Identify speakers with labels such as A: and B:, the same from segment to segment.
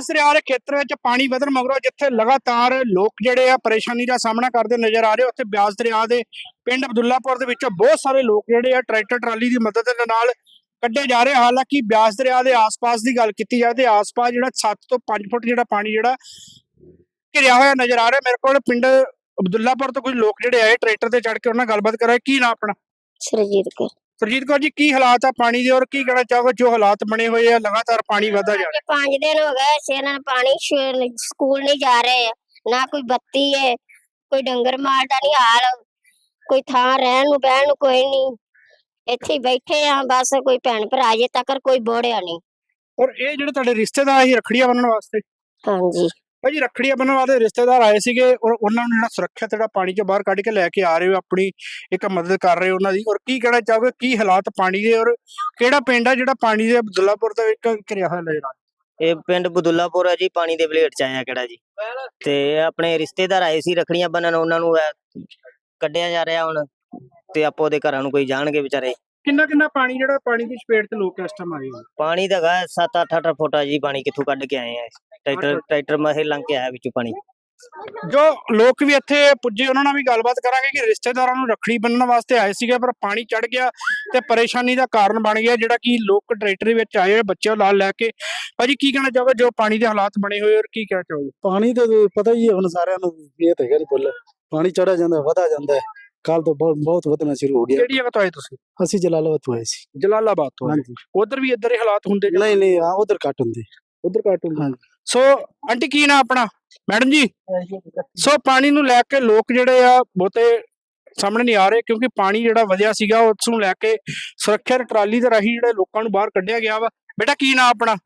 A: ਬਿਆਸ ਦਰਿਆ ਦੇ ਖੇਤਰ ਵਿੱਚ ਪਾਣੀ ਵਧਣ ਮਗਰੋਂ ਜਿੱਥੇ ਲਗਾਤਾਰ ਲੋਕ ਜਿਹੜੇ ਆ ਪਰੇਸ਼ਾਨੀ ਦਾ ਸਾਹਮਣਾ ਕਰਦੇ ਨਜ਼ਰ ਆ ਰਹੇ, ਉੱਥੇ ਬਿਆਸ ਦਰਿਆ ਦੇ ਪਿੰਡ ਅਬਦੁੱਲਾਪੁਰ ਦੇ ਵਿੱਚੋਂ ਬਹੁਤ ਸਾਰੇ ਲੋਕ ਜਿਹੜੇ ਆ ਟਰੈਕਟਰ ਟਰਾਲੀ ਦੀ ਮਦਦ ਦੇ ਨਾਲ ਕੱਢੇ ਜਾ ਰਹੇ। ਹਾਲਾਂਕਿ ਬਿਆਸ ਦਰਿਆ ਦੇ ਆਸ-ਪਾਸ ਦੀ ਗੱਲ ਕੀਤੀ ਜਾਏ ਤੇ ਆਸ-ਪਾਸ ਜਿਹੜਾ 7 ਤੋਂ 5 ਫੁੱਟ ਜਿਹੜਾ ਪਾਣੀ ਜਿਹੜਾ ਘਿਰਿਆ ਹੋਇਆ ਨਜ਼ਰ ਆ ਰਿਹਾ। ਮੇਰੇ ਕੋਲ ਪਿੰਡ ਅਬਦੁੱਲਾਪੁਰ ਤੋਂ ਕੁਝ ਲੋਕ ਜਿਹੜੇ ਆਏ ਟਰੈਕਟਰ ਤੇ ਚੜ੍ਹ ਕੇ ਉਹਨਾਂ ਨਾਲ ਗੱਲਬਾਤ ਕਰਾਂਗੇ। ਕੀ ਨਾ ਆਪਣਾ?
B: ਸਰਜੀਤ ਕੌਰ।
A: ਸਰਜੀਤ ਕੌਰ ਜੀ, ਕੀ ਹਾਲਾਤ ਆ ਪਾਣੀ ਦੇ ਔਰ ਕੀ ਕਹਿਣਾ ਚਾਹੋਗੇ ਜੋ ਹਾਲਾਤ ਬਣੇ ਹੋਏ ਆ, ਲਗਾਤਾਰ ਪਾਣੀ ਵਧਦਾ ਜਾ ਰਿਹਾ?
B: 5 दिन हो गए से ना पानी स्कूल नहीं जा रहे, ना कोई बत्ती है, कोई डंगर मार का नहीं हाल, कोई थां रहन नूं बहन नूं कोई नहीं, ਇੱਥੇ बैठे आ बस। कोई भैन भरा अजे तक कोई बोड़िया नहीं।
A: ਔਰ ਇਹ ਜਿਹੜੇ ਤੁਹਾਡੇ ਰਿਸ਼ਤੇਦਾਰ ਸੀ ਰੱਖੜੀਆਂ ਬੰਨਣ ਵਾਸਤੇ?
B: ਹਾਂਜੀ
A: ਭਾਜੀ, ਰੱਖੜੀਆਂ ਬੰਨਣ ਵਾਲੇ ਰਿਸ਼ਤੇਦਾਰ ਆਏ ਸੀਗੇ ਔਰ ਉਹਨਾਂ ਨੂੰ ਜਿਹੜਾ ਸੁਰੱਖਿਅਤ ਜਿਹੜਾ ਪਾਣੀ ਚੋਂ ਬਾਹਰ ਕੱਢ ਕੇ ਲੈ ਕੇ ਆ ਰਹੇ ਹੋ, ਆਪਣੀ ਇੱਕ ਮਦਦ ਕਰ ਰਹੇ ਹੋ ਉਹਨਾਂ ਦੀ। ਔਰ ਕੀ ਕਹਿਣਾ ਚਾਹੋਗੇ, ਕੀ ਹਾਲਾਤ ਪਾਣੀ ਦੇ ਔਰ ਕਿਹੜਾ ਪਿੰਡ ਆ ਜਿਹੜਾ ਪਾਣੀ ਦੇ ਅਬਦੁੱਲਾਪੁਰ ਦਾ ਇੱਕ ਘਿਰਿਆ ਹੋਇਆ ਨਜ਼ਰ ਆ?
C: ਇਹ ਪਿੰਡ ਬਦੁੱਲਾਪੁਰ ਹੈ ਜੀ, ਪਾਣੀ ਦੇ ਬਲੇਟ ਚ ਆਇਆ ਕਿਹੜਾ ਜੀ। ਤੇ ਆਪਣੇ ਰਿਸ਼ਤੇਦਾਰ ਆਏ ਸੀ ਰੱਖੜੀਆਂ ਬੰਨਣ, ਉਹਨਾਂ ਨੂੰ ਕੱਢਿਆ ਜਾ ਰਿਹਾ ਹੁਣ, ਤੇ ਆਪੋ ਦੇ ਘਰਾਂ ਨੂੰ ਕੋਈ ਜਾਣਗੇ ਵਿਚਾਰੇ।
A: ਕਿੰਨਾ ਕਿੰਨਾ ਪਾਣੀ ਜਿਹੜਾ ਪਾਣੀ ਦੀ ਚਪੇਟ ਤੇ ਲੋਕ ਇਸ ਟਾਈਮ ਆਏ ਹੋਏ?
C: ਪਾਣੀ ਦਾ ਹੈਗਾ 7-8 ਫੁੱਟ ਆ ਜੀ ਪਾਣੀ, ਕਿੱਥੋਂ ਕੱਢ ਕੇ ਆਏ ਆ। ਟਰੈਕਟਰ ਮਹੇ ਲੰਘ ਕੇ ਆਇਆ ਵਿੱਚੋਂ ਪਾਣੀ।
A: ਜੋ ਲੋਕ ਵੀ ਇੱਥੇ ਪੁੱਜੇ ਉਹਨਾਂ ਨਾਲ ਵੀ ਗੱਲਬਾਤ ਕਰਾਂਗੇ ਕਿ ਰਿਸ਼ਤੇਦਾਰਾਂ ਨੂੰ ਰੱਖੜੀ ਬੰਨਣ ਵਾਸਤੇ ਆਏ ਸੀਗੇ ਪਰ ਪਾਣੀ ਚੜ ਗਿਆ ਤੇ ਪਰੇਸ਼ਾਨੀ ਦਾ ਕਾਰਨ ਬਣ ਗਿਆ, ਜਿਹੜਾ ਕਿ ਲੋਕ ਟਰੈਕਟਰ ਵਿੱਚ ਆਏ ਬੱਚੇ ਨਾਲ ਲੈ ਕੇ। ਭਾਜੀ, ਕੀ ਕਹਿਣਾ ਚਾਹੋਗੇ ਜੋ ਪਾਣੀ ਦੇ ਹਾਲਾਤ ਬਣੇ ਹੋਏ ਔਰ ਕੀ ਕਹਿਣਾ ਚਾਹੋਗੇ?
D: ਪਾਣੀ ਤੇ ਪਤਾ ਹੀ ਹੈ ਹੁਣ ਸਾਰਿਆਂ ਨੂੰ, ਇਹ ਤਾਂ ਹੈਗਾ ਨਹੀਂ ਭੁੱਲ। ਪਾਣੀ ਚੜਾ ਜਾਂਦਾ, ਵਧਾ ਜਾਂਦਾ ਹੈ। ਕੱਲ ਤੋਂ ਬਹੁਤ ਵਧਣਾ ਸ਼ੁਰੂ ਹੋ ਗਿਆ।
A: ਕਿਹੜੀ ਜਗ੍ਹਾ ਤੋਂ ਆਏ ਤੁਸੀਂ?
D: ਅਸੀਂ ਜਲਾਲਾਬਾਦ ਤੋਂ ਆਏ ਸੀ।
A: ਜਲਾਲਾਬਾਦ ਤੋਂ?
D: ਹਾਂਜੀ।
A: ਉਧਰ ਵੀ ਇਧਰ ਹੀ ਹਾਲਾਤ ਹੁੰਦੇ?
D: ਨਹੀਂ ਨਹੀਂ, ਉਧਰ ਘੱਟ ਹੁੰਦੇ।
A: ਉਧਰ ਘੱਟ ਹੁੰਦੇ।
D: ਹਾਂਜੀ।
A: ਸੋ ਆਂਟੀ, ਕੀ ਨਾ ਆਪਣਾ? ਮੈਡਮ ਜੀ, ਸੋ ਪਾਣੀ ਨੂੰ ਲੈ ਕੇ ਲੋਕ ਜਿਹੜੇ ਆ ਬਹੁਤੇ ਸਾਹਮਣੇ ਨਹੀਂ ਆ ਰਹੇ ਕਿਉਂਕਿ ਪਾਣੀ ਜਿਹੜਾ ਵਧਿਆ ਸੀਗਾ ਉਸ ਨੂੰ ਲੈ ਕੇ ਸੁਰੱਖਿਆ ਟਰਾਲੀ ਦੇ ਰਾਹੀਂ ਜਿਹੜੇ ਲੋਕਾਂ ਨੂੰ ਬਾਹਰ ਕੱਢਿਆ ਗਿਆ ਵਾ। ਬੇਟਾ, ਕੀ ਨਾ ਆਪਣਾ?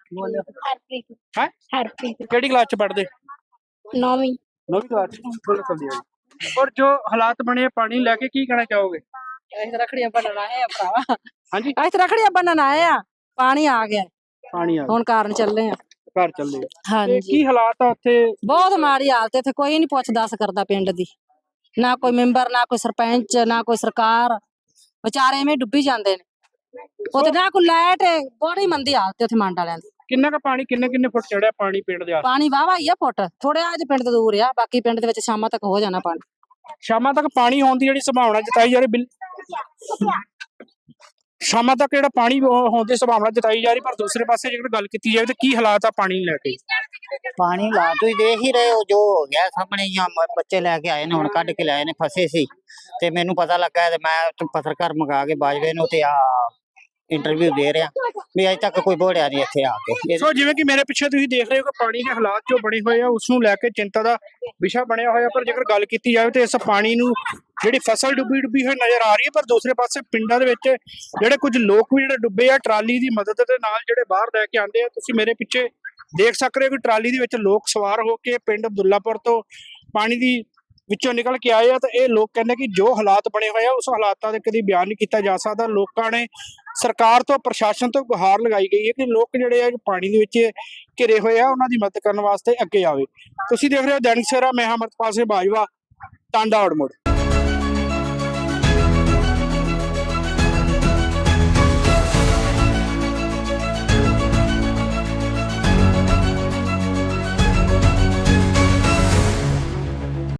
A: ਹੈ
B: ਹਰਪ੍ਰੀਤ।
A: ਕਿਹੜੀ ਕਲਾਸ ਚ ਪੜ੍ਹਦੇ?
B: 9ਵੀਂ
A: ਕਲਾਸ ਚ। ਔਰ ਜੋ ਹਾਲਾਤ ਬਣੇ ਪਾਣੀ ਲੈ ਕੇ, ਕੀ ਕਹਿਣਾ ਚਾਹੋਗੇ?
E: ਰੱਖੜੀਆਂ ਬੰਨਣ ਆਏ ਆ ਭਰਾਵਾ।
A: ਹਾਂਜੀ,
E: ਅਸੀਂ ਰੱਖੜੀਆਂ ਬੰਨਣ ਆਏ ਆ, ਪਾਣੀ ਆ ਗਿਆ
A: ਪਾਣੀ ਆ
E: ਹੁਣ, ਕਾਰਨ ਚੱਲੇ ਆ
A: ਘਰ ਚੱਲੇ।
E: ਹਾਂਜੀ।
A: ਕੀ ਹਾਲਾਤ ਆ ਉੱਥੇ?
E: ਬਹੁਤ ਮਾੜੀ ਹਾਲਤ, ਇੱਥੇ ਕੋਈ ਨਹੀਂ ਪੁੱਛ ਦੱਸ ਕਰਦਾ ਪਿੰਡ ਦੀ, ਨਾ ਕੋਈ ਮੈਂਬਰ, ਨਾ ਕੋਈ ਸਰਪੰਚ, ਨਾ ਕੋਈ ਸਰਕਾਰ। ਵਿਚਾਰੇ ਐਵੇਂ ਡੁੱਬੀ ਜਾਂਦੇ ਨੇ ਉੱਥੇ, ਨਾ ਕੋਈ ਲਾਈਟ। ਬੜੀ ਮੰਦੀ ਹਾਲਤ ਉੱਥੇ ਮੰਡ ਵਾਲਿਆਂ ਦੀ।
A: ਕਿੰਨਾ ਕੁ ਪਾਣੀ, ਕਿੰਨੇ ਫੁੱਟ ਚੜਿਆ ਪਾਣੀ ਪਿੰਡ ਦੇ?
E: ਪਾਣੀ ਵਾਵਾ ਹੀ ਆ ਫੁੱਟ, ਥੋੜਾ ਜਿਹਾ ਪਿੰਡ ਤੋਂ ਦੂਰ ਆ, ਬਾਕੀ ਪਿੰਡ ਦੇ ਵਿੱਚ ਸ਼ਾਮਾਂ ਤੱਕ ਹੋ ਜਾਣਾ ਪਾਣੀ।
A: ਸ਼ਾਮਾਂ ਤੱਕ ਪਾਣੀ ਹੋਣ ਦੀ ਜਿਹੜੀ ਸੰਭਾਵਨਾ ਜਤਾਈ ਜਾ ਰਹੀ, ਸ਼ਾਮਾਂ ਤੱਕ ਜਿਹੜਾ ਪਾਣੀ ਹੋਣ ਦੀ ਸੰਭਾਵਨਾ ਜਤਾਈ ਜਾ ਰਹੀ, ਪਰ ਦੂਸਰੇ ਪਾਸੇ ਜੇਕਰ ਗੱਲ ਕੀਤੀ ਜਾਵੇ ਤਾਂ ਕੀ ਹਾਲਾਤ ਆ ਪਾਣੀ ਲੈ ਕੇ?
F: ਪਾਣੀ ਲਾ ਤੁਸੀਂ ਦੇਖ ਹੀ ਰਹੇ ਹੋ ਜੋ ਹੋ ਗਿਆ ਸਾਹਮਣੇ ਹੀ। ਬੱਚੇ ਲੈ ਕੇ ਆਏ ਨੇ, ਹੁਣ ਕੱਢ ਕੇ ਲਾਏ ਨੇ, ਫਸੇ ਸੀ ਤੇ ਮੈਨੂੰ ਪਤਾ ਲੱਗਾ ਤੇ ਮੈਂ ਪੱਤਰਕਾਰ ਮੰਗਾ ਕੇ ਬਾਜਵੇ ਨੂੰ ਤੇ ਆ ਇੰਟਰਵਿਊ ਦੇ ਰਿਹਾ ਵੀ ਅਜੇ ਤੱਕ ਕੋਈ ਬੋੜਿਆ ਨਹੀਂ ਇੱਥੇ ਆ ਕੇ।
A: ਸੋ ਜਿਵੇਂ ਕਿ ਮੇਰੇ ਪਿੱਛੇ ਤੁਸੀਂ ਦੇਖ ਰਹੇ ਹੋ ਕਿ ਪਾਣੀ ਦੇ ਹਾਲਾਤ ਜੋ ਬਣੇ ਹੋਏ ਆ ਉਸ ਨੂੰ ਲੈ ਕੇ ਚਿੰਤਾ ਦਾ ਵਿਸ਼ਾ ਬਣਿਆ ਹੋਇਆ, ਪਰ ਜੇਕਰ ਗੱਲ ਕੀਤੀ ਜਾਵੇ ਤਾਂ ਇਸ ਪਾਣੀ ਨੂੰ ਜਿਹੜੀ ਫਸਲ ਡੁੱਬੀ ਹੋਈ ਨਜ਼ਰ ਆ ਰਹੀ ਹੈ, ਪਰ ਦੂਸਰੇ ਪਾਸੇ ਪਿੰਡਾਂ ਦੇ ਵਿੱਚ ਜਿਹੜੇ ਕੁਝ ਲੋਕ ਵੀ ਜਿਹੜੇ ਡੁੱਬੇ ਆ ਟਰਾਲੀ ਦੀ ਮਦਦ ਦੇ ਨਾਲ ਜਿਹੜੇ ਬਾਹਰ ਲੈ ਕੇ ਆਉਂਦੇ ਆ। ਤੁਸੀਂ ਮੇਰੇ ਪਿੱਛੇ ਦੇਖ ਸਕਦੇ ਹੋ ਕਿ ਟਰਾਲੀ ਦੇ ਵਿੱਚ ਲੋਕ ਸਵਾਰ ਹੋ ਕੇ ਪਿੰਡ ਅਬਦੁੱਲਾਪੁਰ ਤੋਂ ਪਾਣੀ ਦੀ ਵਿੱਚੋਂ ਨਿਕਲ ਕੇ ਆਏ ਆ। ਤਾਂ ਇਹ ਲੋਕ ਕਹਿੰਦੇ ਕਿ ਜੋ ਹਾਲਾਤ ਬਣੇ ਹੋਏ ਆ ਉਸ ਹਾਲਾਤਾਂ ਦੇ ਕਦੀ ਬਿਆਨ ਨਹੀਂ ਕੀਤਾ ਜਾ ਸਕਦਾ। ਲੋਕਾਂ ਨੇ ਸਰਕਾਰ ਤੋਂ, ਪ੍ਰਸ਼ਾਸਨ ਤੋਂ ਗੁਹਾਰ ਲਗਾਈ ਗਈ ਹੈ ਕਿ ਲੋਕ ਜਿਹੜੇ ਆ ਪਾਣੀ ਦੇ ਵਿੱਚ ਘਿਰੇ ਹੋਏ ਆ ਉਹਨਾਂ ਦੀ ਮਦਦ ਕਰਨ ਵਾਸਤੇ ਅੱਗੇ ਆਵੇ। ਤੁਸੀਂ ਦੇਖ ਰਹੇ ਹੋ ਦੈਨਿਕ ਸਵੇਰਾ, ਮੈਂ ਅਮਰਪਾਲ ਸਿੰਘ ਬਾਜਵਾ, ਟਾਂਡਾ ਆੜਮੋੜ।